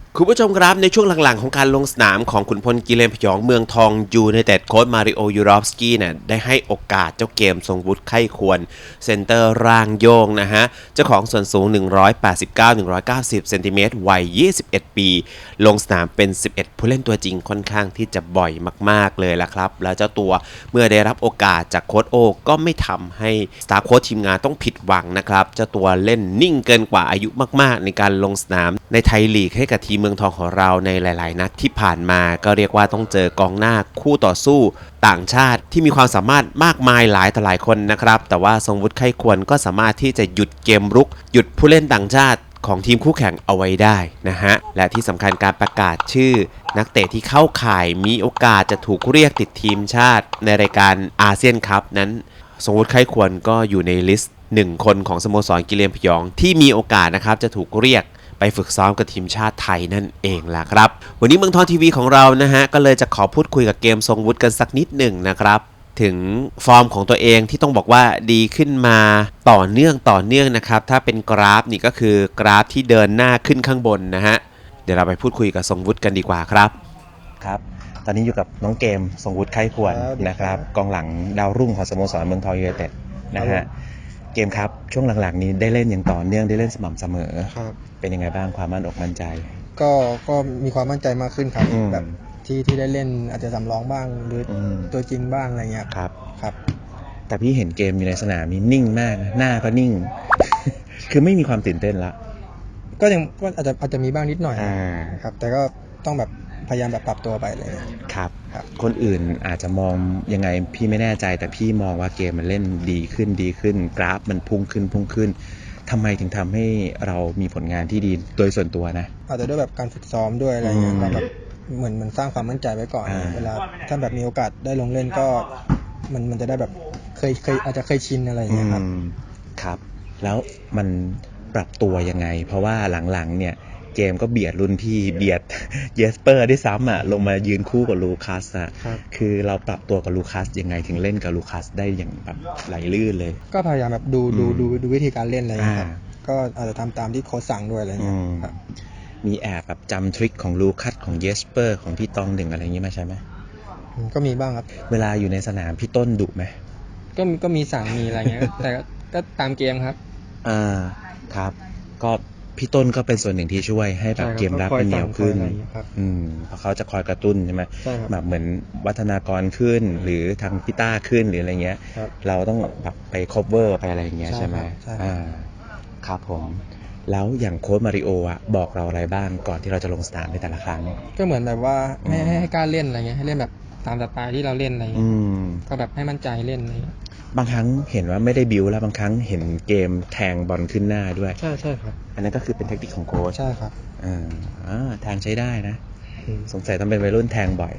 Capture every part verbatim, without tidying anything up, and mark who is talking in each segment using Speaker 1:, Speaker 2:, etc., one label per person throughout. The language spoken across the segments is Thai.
Speaker 1: คุณผู้ชมครับในช่วงหลังๆของการลงสนามของขุนพลกิเลนพยองเมืองทองยูไนเต็ดโค้ชมาริโอยูรอฟสกี้เนี่ยได้ให้โอกาสเจ้าเกมทรงวุฒิไข้ควรเซนเตอร์ร่างโยงนะฮะเจ้าของส่วนสูงหนึ่งร้อยแปดสิบเก้า หนึ่งร้อยเก้าสิบเซนติเมตรวัยยี่สิบเอ็ดปีลงสนามเป็นสิบเอ็ดผู้เล่นตัวจริงค่อนข้างที่จะบ่อยมากๆเลยละครับแล้วเจ้าตัวเมื่อได้รับโอกาสจากโค้ชโอก็ไม่ทำให้สตาฟโค้ชทีมงานต้องผิดหวังนะครับเจ้าตัวเล่นนิ่งเกินกว่าอายุมากๆในการลงสนามในไทยลีกให้กับทีมเมืองทองของเราในหลายๆนัดที่ผ่านมาก็เรียกว่าต้องเจอกองหน้าคู่ต่อสู้ต่างชาติที่มีความสามารถมากมายหลายต่อหลายคนนะครับแต่ว่าทรงวุฒิไข้ควรก็สามารถที่จะหยุดเกมรุกหยุดผู้เล่นต่างชาติของทีมคู่แข่งเอาไว้ได้นะฮะและที่สำคัญการประกาศชื่อนักเตะที่เข้าข่ายมีโอกาสจะถูกเรียกติดทีมชาติในรายการอาเซียนคัพนั้นทรงวุฒิไข้ควรก็อยู่ในลิสต์หนึ่งคนของสโมสรกิเลนพยองที่มีโอกาสนะครับจะถูกเรียกไปฝึกซ้อมกับทีมชาติไทยนั่นเองล่ะครับวันนี้เมืองทองทีวีของเรานะฮะก็เลยจะขอพูดคุยกับเกมทรงวุฒิกันสักนิดหนึ่งนะครับถึงฟอร์มของตัวเองที่ต้องบอกว่าดีขึ้นมาต่อเนื่องต่อเนื่องนะครับถ้าเป็นกราฟนี่ก็คือกราฟที่เดินหน้าขึ้นข้างบนนะฮะเดี๋ยวเราไปพูดคุยกับทรงวุฒิกันดีกว่าครับครับตอนนี้อยู่กับน้องเกมทรงวุฒิไข้ควรนะครับกองหลังดาวรุ่งของสโมสรเมืองทองยูไนเต็ดนะฮะเกมครับช่วงหลังๆนี้ได้เล่นอย่างต่อเนื่องได้เล่นสม่ำเสมอเป็นยังไงบ้างความมั่นอกมั่นใจ
Speaker 2: ก็ก็มีความมั่นใจมากขึ้นครับแบบที่ที่ได้เล่นอาจจะสำรองบ้างหรือตัวจริงบ้างอะไรเงี้ย
Speaker 1: ครับ
Speaker 2: ครับ
Speaker 1: แต่พี่เห็นเกมอยู่ในสนามนี้นิ่งมากหน้าก็นิ่ง คือไม่มีความตื่นเต้นละ
Speaker 2: ก็ยังก็อาจจะอาจจะมีบ้างนิดหน่อยครับแต่ก็ต้องแบบพยายามแบบปรับตัวไปเลย
Speaker 1: ครับคนอื่นอาจจะมองยังไงพี่ไม่แน่ใจแต่พี่มองว่าเกมมันเล่นดีขึ้นดีขึ้นกราฟมันพุ่งขึ้นพุ่งขึ้นทำไมถึงทำให้เรามีผลงานที่ดีโดยส่วนตัวนะ
Speaker 2: อาจจะด้วยแบบการฝึกซ้อมด้วยอะไรเงี้ยแบบเหมือนมันสร้างความมั่นใจไว้ก่อนเวลาถ้าแบบมีโอกาสได้ลงเล่นก็มันมันจะได้แบบเคยเคยอาจจะเคยชินอะไรอย่างเงี้ยครับ
Speaker 1: ครับแล้วมันปรับตัวยังไงเพราะว่าหลังๆเนี่ยเกมก็เบียดรุ่นพี่เบียดเยสเปอร์ได้ซ้ำอ่ะลงมายืนคู่กับลูคัสอ่ะคือเราปรับตัวกับลูคัสยังไงถึงเล่นกับลูคัสได้อย่างแบบไหลลื่นเลย
Speaker 2: ก็พยายามแบบดูดูดูดูวิธีการเล่นอะไรอย่างเงี้ยครับก็อาจจะทำตามที่โค้ชสั่งด้วยอะไรเงี้ยครับ
Speaker 1: มีแอบแบบจำทริคของลูคัสของเยสเปอร์ของพี่ตองหนึ่งอะไรอย่างงี้มาใช่ไหม
Speaker 2: ก็มีบ้างครับ
Speaker 1: เวลาอยู่ในสนามพี่ต้นดุไหม
Speaker 2: ก็ก็มีสั่งมีอะไรเงี้ยแต่ก็ตามเกมครับ
Speaker 1: อ่าครับก็พี่ต้นก็เป็นส่วนหนึ่งที่ช่วยให้แบบเกมรับมันเหนียวขึ้นอืมเพราะเขาจะคอยกระตุ้นใช่ไหมแบบเหมือนวัฒนากรขึ้นหรือทางพี่ต้าขึ้นหรืออะไรเงี้ยเราต้องแบบไป cover ไปอะไรอย่างเงี้ยใช่ไหมอ่าครับผมแล้วอย่างโค้ชมาริโออ่ะบอกเราอะไรบ้างก่อนที่เราจะลงสนามในแต่ละครั้ง
Speaker 2: ก็เหมือนแบบว่าให้ให้ให้กล้าเล่นอะไรเงี้ยให้เล่นแบบตามสไตล์ที่เราเล่นอะไรเงี้ยก็แบบให้มั่นใจเล่นอะไร
Speaker 1: บางครั้งเห็นว่าไม่ได้บิวแล้วบางครั้งเห็นเกมแทงบอลขึ้นหน้าด้วย
Speaker 2: ใช่ใช่ครับ
Speaker 1: อันนั้นก็คือเป็นเทคนิคของโค้ช
Speaker 2: ใช่ครับ
Speaker 1: อ่าอ่าแทงใช้ได้นะสงสัยต้องเป็นวัยรุ่นแทงบ่อย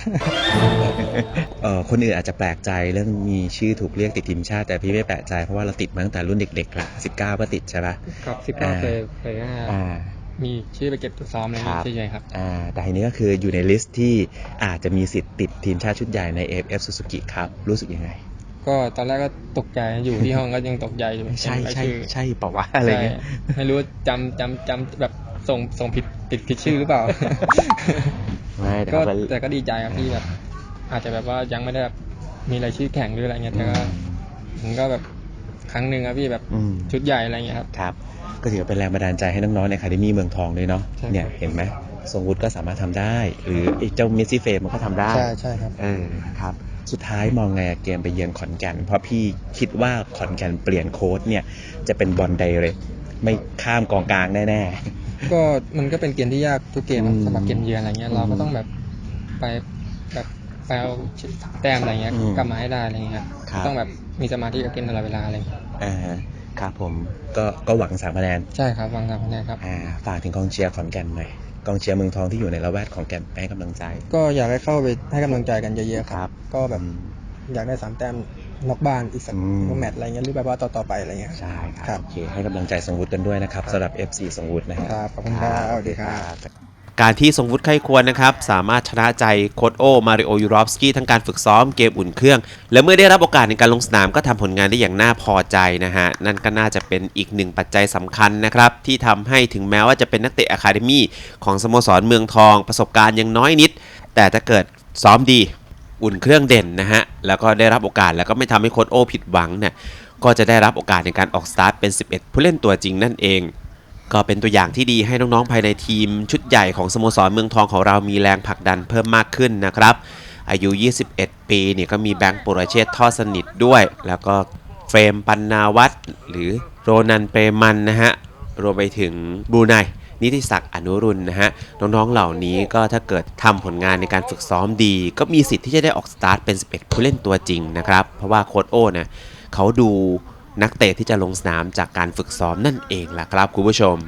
Speaker 1: เอ่อคนอื่นอาจจะแปลกใจเรื่องมีชื่อถูกเรียกติดทีมชาติแต่พี่ไม่แปลกใจเพราะว่าเราติดมาตั้งแต่รุ่นเด็กๆละสิบเก้าก็ติดใช่ป่ะ
Speaker 2: ครับสิบเก้าเคยเคยมีชื่อไปเก็บตัวซ้อมอะไรใช่ไหมครับ
Speaker 1: อ่าแต่ทีนี้ก็คืออยู่ในลิสต์ที่อาจจะมีสิทธิ์ติดทีมชาติชุดใหญ่ใน เอ เอฟ เอฟ Suzuki ครับรู้สึกยังไง
Speaker 2: ก็ตอนแรกก็ตกใจอยู่ที่ห้องก็ยังตกใจอยู่
Speaker 1: ใช่ใช่ใช่เปล่าวะอะไรเงี้ย
Speaker 2: ไม่รู้จำจำจำแบบส่งส่งผิดผิดผิดชื่อหรือเปล่า
Speaker 1: ไม่
Speaker 2: ก็แต่ก็ดีใจครับที่แบบอาจจะแบบว่ายังไม่ได้แบบมีรายชื่อแข่งหรืออะไรเงี้ยแต่ก็มันก็แบบครั้งหนึ่งครับพี่แบบชุดใหญ่อะไรเงี้ยครับ
Speaker 1: ครับก็ถือเป็นแรงบันดาลใจให้น้องๆในอะคาเดมี่เมืองทองด้วยเนาะเนี่ยเห็นไหมทรงวุฒิก็สามารถทำได้หรือไอ้เจ้าเมสซี่เฟมมันก็ทำได้
Speaker 2: ใช่ใช่ครับ
Speaker 1: เออครับสุดท้ายมองไงเกมไปเยือนขอนแก่นเพราะพี่คิดว่าขอนแก่นเปลี่ยนโค้ชเนี่ยจะเป็นบอลไดเรกไม่ข้ามกองกลางแน่
Speaker 2: ๆก็มันก็เป็นเกมที่ยากทุกเกมสำหรับเกมเยือนอะไรเงี้ยเราก็ต้องแบบไปแบบไปเอาแต้มอะไรเงี้ยกลับมาให้ได้อะไรเงี้ยต้องแบบมีสมาธิกับเกมตลอดเวลาอะไร
Speaker 1: อ่าครับผมก็ก็หวังสามคะแนน
Speaker 2: ใช่ครับหวังสามคะแนนครับ
Speaker 1: อ่าฝากถึงกองเชียร์ขอนแก่นหน่อยกองเชียร์เมืองทองที่อยู่ในละแวกของแก่นให้กำลังใจ
Speaker 2: ก็อยากให้เข้าไปให้กำลังใจกันเยอะๆครับก็แบบอยากได้สามแต้มนอกบ้านอีกสักแมตช์อะไรเงี้ยหรือแบบว่าต่อๆไปอะไรเงี้ย
Speaker 1: ใช่ครับโอเคให้กำลังใจทรงวุฒิกันด้วยนะครับสำหรับ เอฟ ซี ทรงวุฒินะครับ
Speaker 2: ขอบคุณครับสวัสดีครับ
Speaker 1: การที่ทรงวุฒิไข้ควรนะครับสามารถชนะใจโค้ชโอมาริโอยูรอฟสกี้ทั้งการฝึกซ้อมเกมอุ่นเครื่องและเมื่อได้รับโอกาสในการลงสนามก็ทำผลงานได้อย่างน่าพอใจนะฮะนั่นก็น่าจะเป็นอีกหนึ่งปัจจัยสำคัญนะครับที่ทำให้ถึงแม้ว่าจะเป็นนักเตะอะคาเดมี่ของสโมสรเมืองทองประสบการณ์ยังน้อยนิดแต่ถ้าเกิดซ้อมดีอุ่นเครื่องเด่นนะฮะแล้วก็ได้รับโอกาสแล้วก็ไม่ทำให้โค้ชโอผิดหวังเนี่ยก็จะได้รับโอกาสในการออกสตาร์ทเป็นสิบเอ็ดผู้เล่นตัวจริงนั่นเองก็เป็นตัวอย่างที่ดีให้น้องๆภายในทีมชุดใหญ่ของสโมสรเมืองทองของเรามีแรงผลักดันเพิ่มมากขึ้นนะครับอายุยี่สิบเอ็ดปีเนี่ยก็มีแบงค์ปุรเชษฐ์ทอดสนิทด้วยแล้วก็เฟรมปันนาวัฒน์หรือโรนันเปรมันนะฮะรวมไปถึงบรูไนนิติศักดิ์อนุรุณนะฮะน้องๆเหล่านี้ก็ถ้าเกิดทำผลงานในการฝึกซ้อมดีก็มีสิทธิ์ที่จะได้ออกสตาร์ทเป็นสิบเอ็ดผู้เล่นตัวจริงนะครับเพราะว่าโค้ชโอ้นะเขาดูนักเตะที่จะลงสนามจากการฝึกซ้อมนั่นเองล่ะครับคุณผู้ชม